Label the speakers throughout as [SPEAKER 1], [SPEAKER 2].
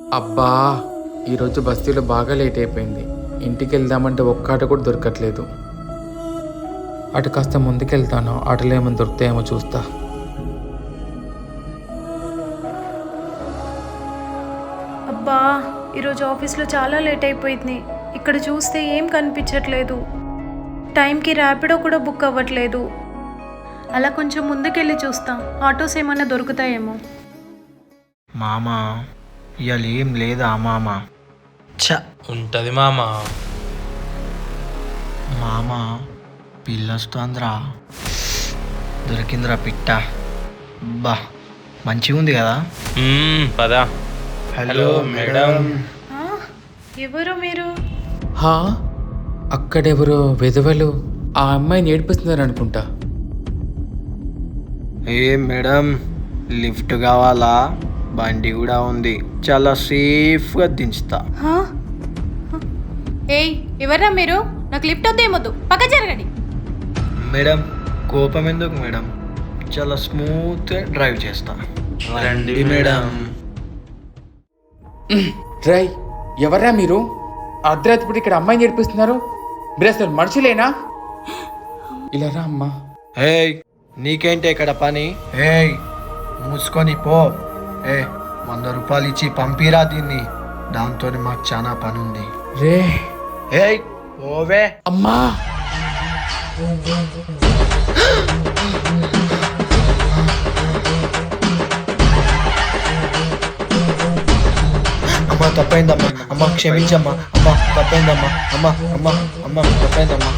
[SPEAKER 1] అబ్బా, ఈరోజు బస్తీలో బాగా లేట్ అయిపోయింది. ఇంటికి వెళ్దామంటే ఒక్క ఆట కూడా దొరకట్లేదు. అటు కాస్త ముందుకెళ్తాను, ఆటలు ఏమైనా దొరుకుతాయేమో చూస్తా.
[SPEAKER 2] అబ్బా, ఈరోజు ఆఫీస్లో చాలా లేట్ అయిపోయింది. ఇక్కడ చూస్తే ఏం కనిపించట్లేదు. టైంకి ర్యాపిడో కూడా బుక్ అవ్వట్లేదు. అలా కొంచెం ముందుకెళ్ళి చూస్తా, ఆటోస్ ఏమైనా దొరుకుతాయేమో.
[SPEAKER 3] మామా ఇవాళ ఏం లేదా మామా?
[SPEAKER 4] ఉంటది మామ.
[SPEAKER 3] మామా పిల్లొస్తుందిరా, దొరికిందిరా పిట్ట. బా మంచిగా ఉంది కదా.
[SPEAKER 4] పదా.
[SPEAKER 3] Hello madam.
[SPEAKER 2] ఆ, ఎవరు మీరు?
[SPEAKER 1] హా, అక్కడెవరో విధవలు ఆ అమ్మాయిని ఏడిపిస్తున్నారు అనుకుంటా.
[SPEAKER 3] ఏ మేడం, లిఫ్ట్ కావాలా? బండి కూడా ఉంది, చాలా సేఫ్గా దించుతా.
[SPEAKER 2] హా? ఏయ్, ఎవర్రా మీరు? నాకు లిఫ్ట్ వద్దేమొద్దు, పక్క జరగండి.
[SPEAKER 3] మేడం కోపం ఎందుకు మేడం, చాలా స్మూత్గా డ్రైవ్ చేస్తా. రండి మేడం.
[SPEAKER 1] రై, ఎవర్రా మీరు? అర్ధరాత్రి ఇక్కడ అమ్మాయిని ఏడిపిస్తున్నారు. మీరు అసలు మనుషులేనా? ఇలా రా అమ్మా.
[SPEAKER 3] ఏయ్, నీకేంటి ఇక్కడ పని? ఏయ్ మూసుకొని పో. 100 రూపాయలు ఇచ్చి పంపిరా దీన్ని, దాంతో మాకు చాలా పని ఉంది.
[SPEAKER 1] రే
[SPEAKER 3] ఏయ్ ఓవే.
[SPEAKER 1] అమ్మా.
[SPEAKER 3] అమ్మ తప్పైందమ్మా, అమ్మ క్షమించమ్మా, అమ్మ తప్పైందమ్మా, అమ్మ అమ్మ అమ్మ తప్పైందమ్మా.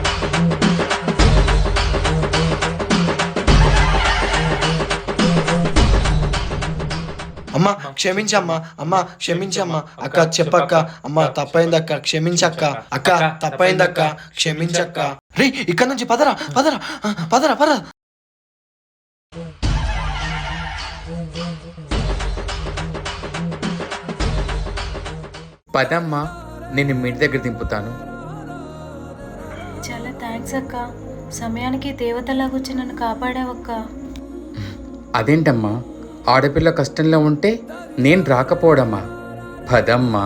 [SPEAKER 3] అమ్మ క్షమించమ్మా, అమ్మ క్షమించమ్మా, అక్క చెప్పక్క, అమ్మ తప్పైందక్క క్షమించక్క, అక్క తప్పైందక్క క్షమించక్క. రే ఇక్కడ నుంచి పదరా పదరా పదరా పదరా.
[SPEAKER 1] పదమ్మా, నేను మీ ఇంటి దగ్గర దింపుతాను.
[SPEAKER 2] చాలా థ్యాంక్స్ అక్క, సమయానికి దేవతలాగొచ్చి నన్ను కాపాడావక్క.
[SPEAKER 1] అదేంటమ్మా, ఆడపిల్ల కష్టంలో ఉంటే నేను రాకపోవడమ్మా. పదమ్మా.